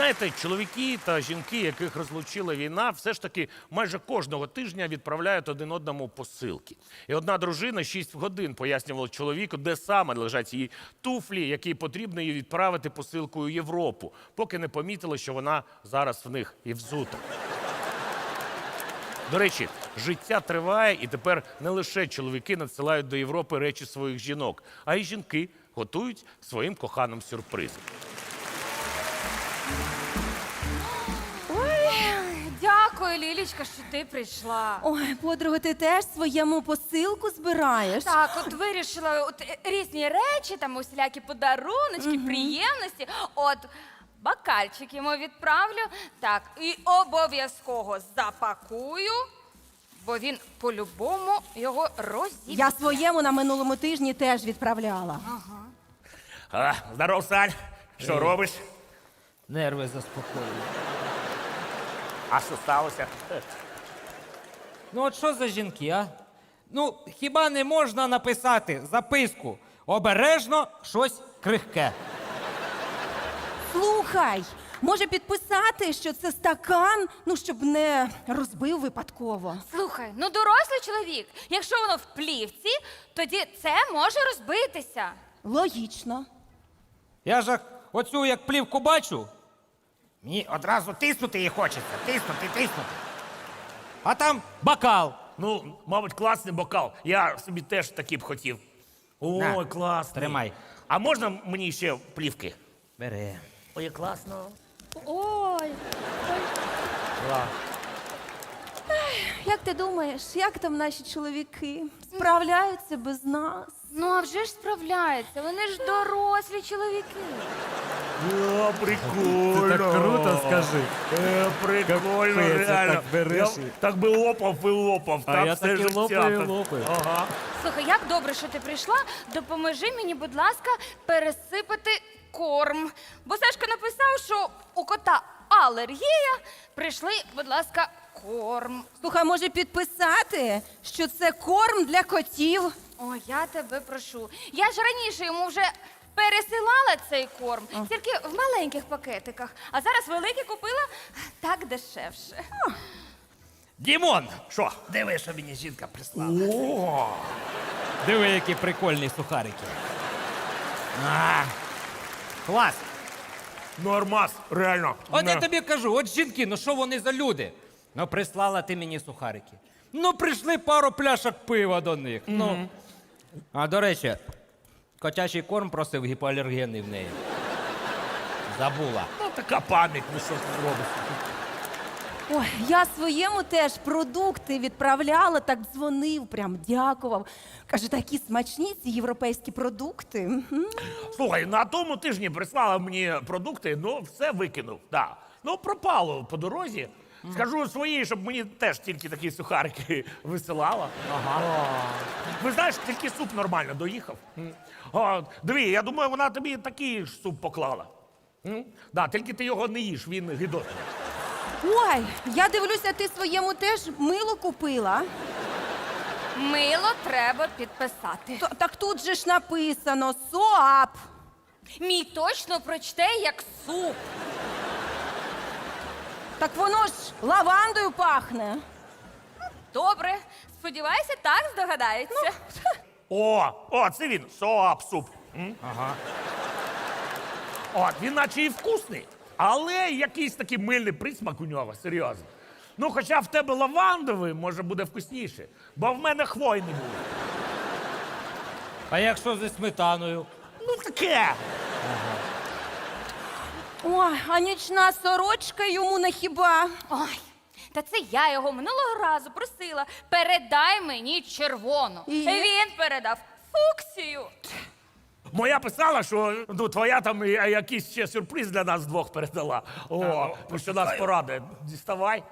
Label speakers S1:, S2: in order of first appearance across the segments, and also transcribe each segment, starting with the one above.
S1: знаєте, чоловіки та жінки, яких розлучила війна, все ж таки майже кожного тижня відправляють один одному посилки. І одна дружина 6 годин пояснювала чоловіку, де саме лежать її туфлі, які потрібно їй відправити посилкою в Європу, поки не помітила, що вона зараз в них і взута. До речі, життя триває, і тепер не лише чоловіки надсилають до Європи речі своїх жінок, а й жінки готують своїм коханим сюрприз.
S2: Дякую, Лілічка, що ти прийшла.
S3: Ой, подруга, ти теж своєму посилку збираєш?
S2: Так, от вирішила різні речі, там усілякі подаруночки, приємності. От бокальчик йому відправлю. Так, і обов'язково запакую, бо він по-любому його розіб'є.
S3: Я своєму на минулому тижні теж відправляла.
S1: Здоров, Сань. Що робиш?
S4: Нерви заспокоюю.
S1: А що сталося?
S4: Ну от що за жінки, а? Ну, хіба не можна написати записку? Обережно щось крихке.
S3: Слухай, може підписати, що це стакан, ну, щоб не розбив випадково.
S2: Слухай, ну дорослий чоловік, якщо воно в плівці, тоді це може розбитися.
S3: Логічно.
S4: Я ж оцю як плівку бачу, мені одразу тиснути її хочеться. Тиснути. А там бокал.
S1: Ну, мабуть, класний бокал. Я собі теж такий б хотів. Ой,
S4: На,
S1: класний.
S4: тримай.
S1: А можна мені ще плівки?
S4: Бери.
S1: Ой, класно.
S2: Ой.
S3: Як ти думаєш, як там наші чоловіки? Справляються без нас?
S2: Ну, а вже ж справляються, вони ж дорослі чоловіки.
S1: Прикольно.
S4: Ти так круто скажи.
S1: Прикольно,
S4: Капець,
S1: реально.
S4: так береш
S1: Я
S4: і-
S1: так би лопав і лопав.
S4: А
S1: так
S4: я
S1: все
S4: так і
S1: життя.
S4: лопаю,
S1: Так.
S4: лопаю.
S1: Ага.
S2: Слухай, як добре, що ти прийшла. Допоможи мені, будь ласка, пересипати корм. Бо Сашка написав, що у кота алергія. Прийшли, будь ласка, корм.
S3: Слухай, може підписати, що це корм для котів?
S2: О, я тебе прошу. Я ж раніше йому вже пересилала цей корм, тільки в маленьких пакетиках. А зараз великий купила так дешевше.
S4: Дімон!
S1: Що?
S4: Диви, що мені жінка прислала.
S1: О,
S4: Диви, які прикольні сухарики. А, клас!
S1: нормас, реально.
S4: От я
S1: Не.
S4: тобі кажу, от жінки, ну що вони за люди? Ну, прислала ти мені сухарики. Ну, прийшли пару пляшок пива до них. Ну. А до речі, котячий корм просив гіпоалергенний в неї. Забула.
S1: Ну, така пам'ять, ну що ти зробиш?
S3: Ой, я своєму теж продукти відправляла, так дзвонив, прям дякував. Каже, такі смачні ці європейські продукти. Мгм.
S1: Слухай, на тому тижні прислала мені продукти, ну все викинув. Да. Ну, пропало по дорозі. Скажу своїй, щоб мені теж тільки такі сухарики висилала. Ага. Ви знаєш, тільки суп нормально доїхав. Диви, я думаю, вона тобі такий ж суп поклала. Да, тільки ти його не їш, він гидотний.
S3: Ой, я дивлюся, ти своєму теж мило купила.
S2: Мило треба підписати.
S3: Так тут же ж написано СОАП.
S2: Мій точно прочте як суп.
S3: Так воно ж лавандою пахне.
S2: Добре, сподіваюся, так здогадається.
S1: О, це він, соап суп. Ага. От, він наче і вкусний, але якийсь такий мильний присмак у нього, серйозно. Ну, хоча в тебе лавандовий, може, буде вкусніше, бо в мене хвойний був.
S4: А якщо зі сметаною?
S1: Ну, таке.
S3: Ой, а нічна сорочка йому не хіба.
S2: Ой, та це я його минулого разу просила. Передай мені червону.
S3: І?
S2: Він передав фуксію.
S1: Моя писала, що ну, твоя там якийсь ще сюрприз для нас двох передала. О, про що нас порадує. Діставай.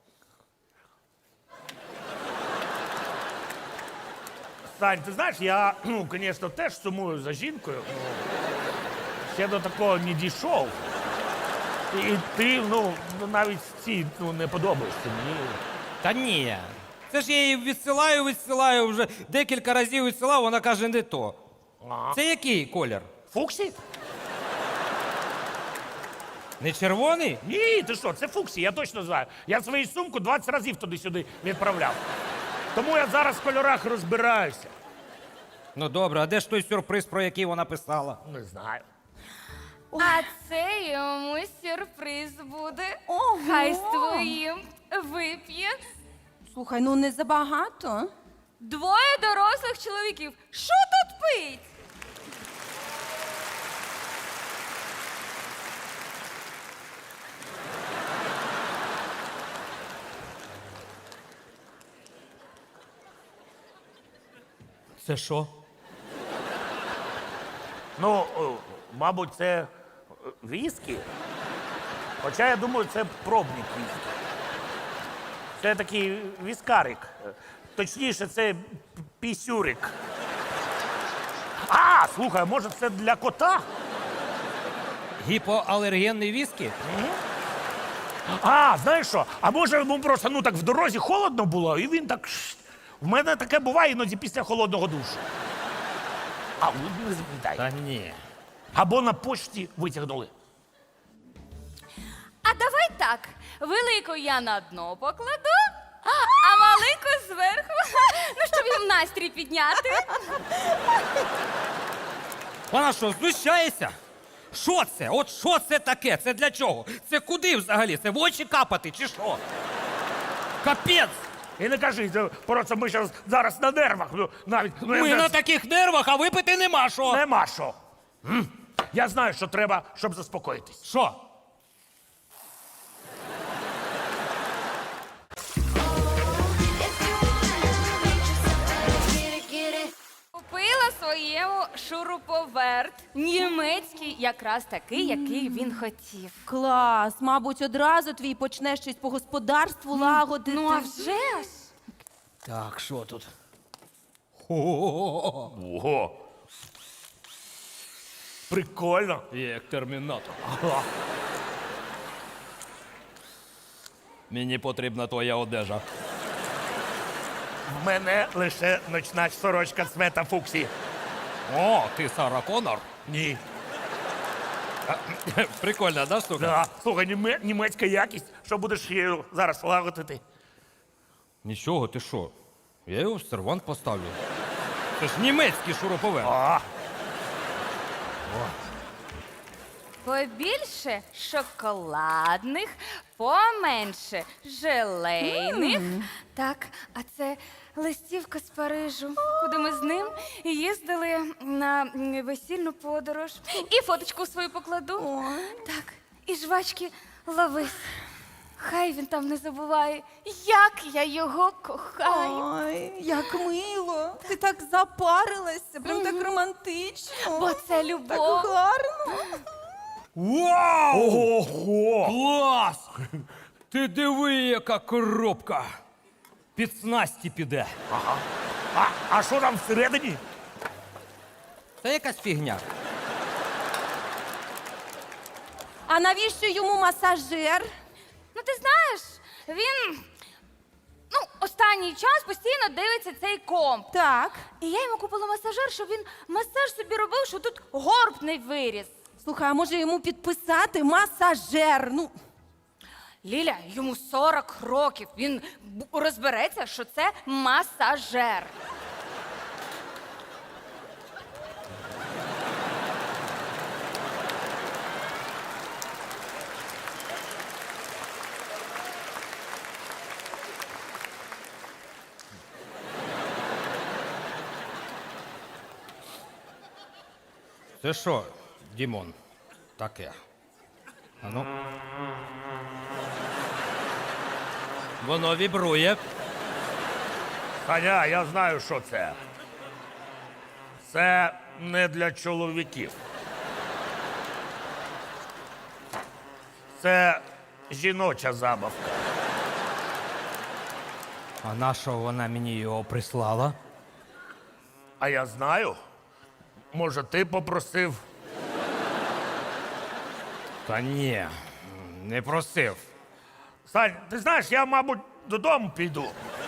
S1: Сань, ти знаєш, я, ну, звісно, теж сумую за жінкою. Ще до такого не дійшов. І ти, ну, навіть ці не подобаєшся мені.
S4: Та ні. Це ж я її відсилаю, вже декілька разів відсилав, вона каже, не то.
S1: Ага.
S4: Це який колір?
S1: Фуксі?
S4: Не червоний?
S1: Ні, ти що, це Фуксі, я точно знаю. Я свою сумку 20 разів туди-сюди відправляв. Тому я зараз в кольорах розбираюся.
S4: Ну добре, а де ж той сюрприз, про який вона писала?
S1: Не знаю.
S2: А це йому сюрприз буде.
S3: Ого!
S2: Хай з твоїм вип'є
S3: Слухай, ну не забагато.
S2: 2 дорослих чоловіків. Що тут пить?
S4: Це що?
S1: Ну, мабуть, це віскі. Хоча я думаю, це пробник віскі. Це такий віскарик. Точніше, це пісюрик. А, слухай, може це для кота?
S4: Гіпоалергенний віскі?
S1: А, знаєш що? А може йому просто ну так в дорозі холодно було, і він так. В мене таке буває іноді після холодного душу. А, ну, не запам'ятай.
S4: Та ні.
S1: Або на почті витягнули.
S2: А давай так. Велику я на дно покладу, а малику зверху. Ну, щоб їм настрій підняти.
S4: Вона що, знущається? Що це? От що це таке? Це для чого? Це куди взагалі? Це в очі капати чи що? Капець!
S1: І не кажи, це просто ми зараз на нервах. Ну, навіть ну,
S4: Ми на таких нервах, а випити нема що.
S1: нема що. Я знаю, що треба, щоб заспокоїтись.
S4: Що?
S2: Купила своєму шуруповерт. Німецький, якраз такий, який він хотів.
S3: Клас, мабуть, одразу твій почне щось по господарству лагодити.
S2: Ну, а вже ж.
S4: Так, що тут?
S1: Ого. Прикольно.
S4: Як термінатор. Мені потрібна твоя одежа.
S1: В мене лише ночна сорочка цвета Фуксі.
S4: О, ти Сара Коннор?
S1: Ні.
S4: Прикольна, да, штука?
S1: Да. Слухай, німецька якість. Що будеш її зараз лагодити?
S4: Нічого, ти що? Я його в сервант поставлю. Це ж німецький шуруповерт.
S1: А,
S2: Побільше шоколадних, поменше желейних. Так, а це листівка з Парижу, куди ми з ним їздили на весільну подорож. І фоточку свою покладу. Так, і жвачки ловись. Хай він там не забуває, як я його кохаю.
S3: Ой, як мило. Ти так запарилася, прям так романтично.
S2: Бо це
S3: Так
S2: любов.
S3: гарно.
S4: Вау!
S1: ого!
S4: Клас! Ти диви, яка коробка! Під снасті піде.
S1: А що там всередині?
S4: Це якась фігня.
S3: А навіщо йому масажер?
S2: Ну, ти знаєш, він останній час постійно дивиться цей комп.
S3: Так.
S2: І я йому купила масажер, щоб він масаж собі робив, що тут горб не виріс.
S3: Слухай, а може йому підписати масажер? Ну,
S2: Ліля, йому 40 років. Він розбереться, що це масажер.
S4: Це що, Дімон? Таке. А ну. Воно вібрує.
S1: Ханя, я знаю, що це. Це не для чоловіків. Це жіноча забавка.
S4: А на що вона мені його прислала?
S1: А я знаю. Може, ти попросив?
S4: Та ні, не просив.
S1: Сань, ти знаєш, я, мабуть, додому піду.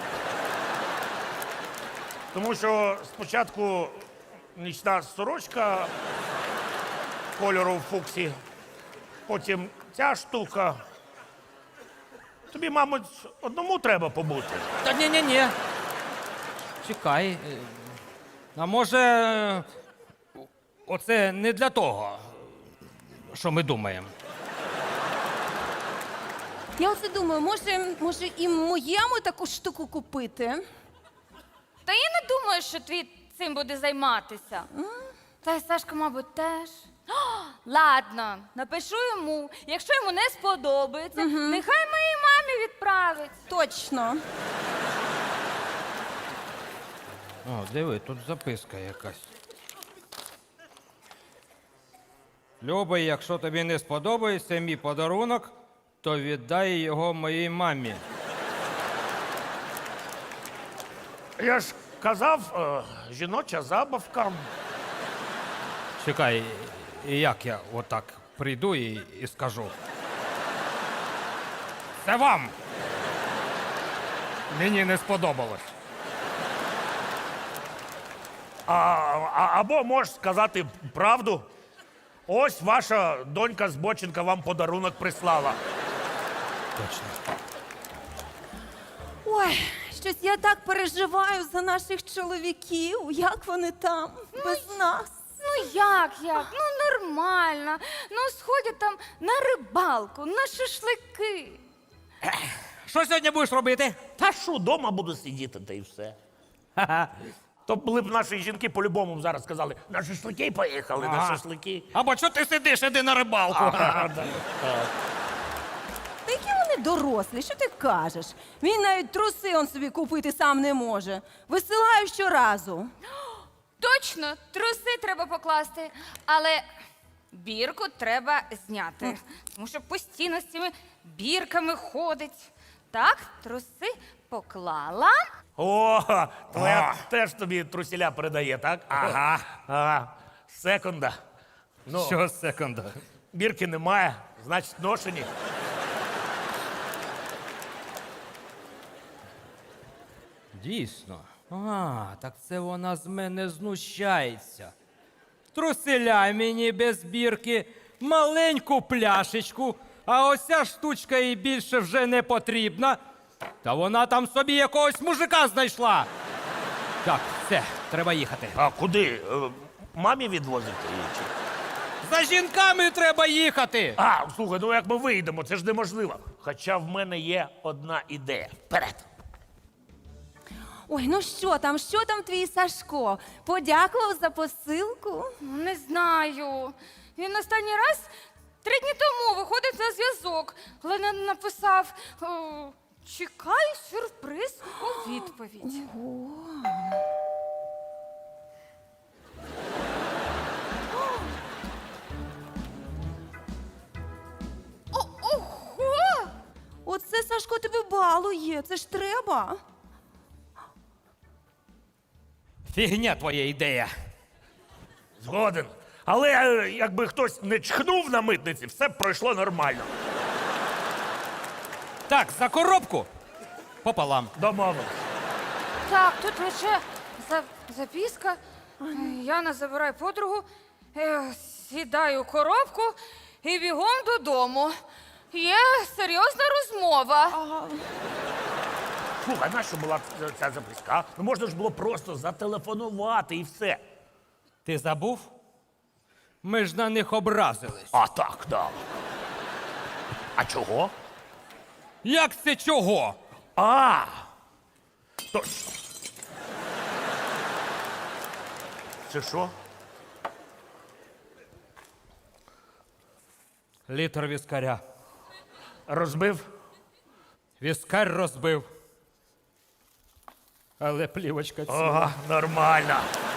S1: Тому що спочатку нічна сорочка кольору Фуксі, Потім ця штука. Тобі, мабуть, одному треба побути.
S4: Та ні. Чекай. А може, оце не для того, що ми думаємо.
S3: Я оце думаю, може і моєму таку штуку купити?
S2: Та я не думаю, що твій цим буде займатися. Та й Сашка, мабуть, теж. О, ладно, напишу йому. Якщо йому не сподобається, нехай моїй мамі відправить.
S3: Точно.
S4: О, диви, тут записка якась. Любий, якщо тобі не сподобається мій подарунок, то віддай його моїй мамі.
S1: Я ж казав, жіноча забавка.
S4: Чекай, і як я отак прийду і скажу? Це вам! Мені не сподобалось.
S1: Або можеш сказати правду. Ось ваша донька Збоченка вам подарунок прислала.
S4: Точно.
S3: Ой, щось я так переживаю за наших чоловіків. Як вони там без нас?
S2: Ну як? Ну нормально. Ну сходять там на рибалку, на шашлики.
S4: Що сьогодні будеш робити?
S1: Та що, дома буду сидіти, та й все. То були б наші жінки по-любому зараз сказали, на шашлики поїхали, на шашлики.
S4: Або що ти сидиш, іди на рибалку.
S3: Та які вони дорослі, що ти кажеш? Він навіть труси он собі купити сам не може. Висилаю щоразу.
S2: Точно, труси треба покласти, але бірку треба зняти. Тому що постійно з цими бірками ходить. Так, труси поклала.
S1: О, твоя теж тобі трусіля передає, так? Ага. Секунда. Ну,
S4: Що секунда?
S1: бірки немає, значить ношені.
S4: Дійсно. Так це вона з мене знущається. Труселя мені без бірки, маленьку пляшечку, а ось ця штучка їй більше вже не потрібна. Та вона там собі якогось мужика знайшла. Так, все, треба їхати.
S1: А куди? Мамі відвозити її? Чи?
S4: За жінками треба їхати.
S1: Слухай, ну як ми вийдемо, це ж неможливо. Хоча в мене є одна ідея. Вперед!
S3: Ой, ну що там твій Сашко? Подякував за посилку?
S2: Ну, не знаю. Він останній раз 3 дні тому виходить на зв'язок, але написав: чекаю сюрприз у відповідь. Ого!
S3: Оце Сашко тебе балує, це ж треба.
S4: Фігня твоя ідея.
S1: Згоден. Але якби хтось не чхнув на митниці, все б пройшло нормально.
S4: Так, за коробку пополам.
S1: Домовились.
S2: Так, тут лише записка. Яна забирає подругу, сідаю у коробку і бігом додому. Є серйозна розмова.
S1: Слухай, нащо була ця записка? Ну можна ж було просто зателефонувати і все.
S4: Ти забув? Ми ж на них образились.
S1: Так, да. А чого?
S4: Як це чого?
S1: Точно. Це що?
S4: Літр віскаря.
S1: Розбив?
S4: Віскар розбив. Але плівочка ціла.
S1: Нормально.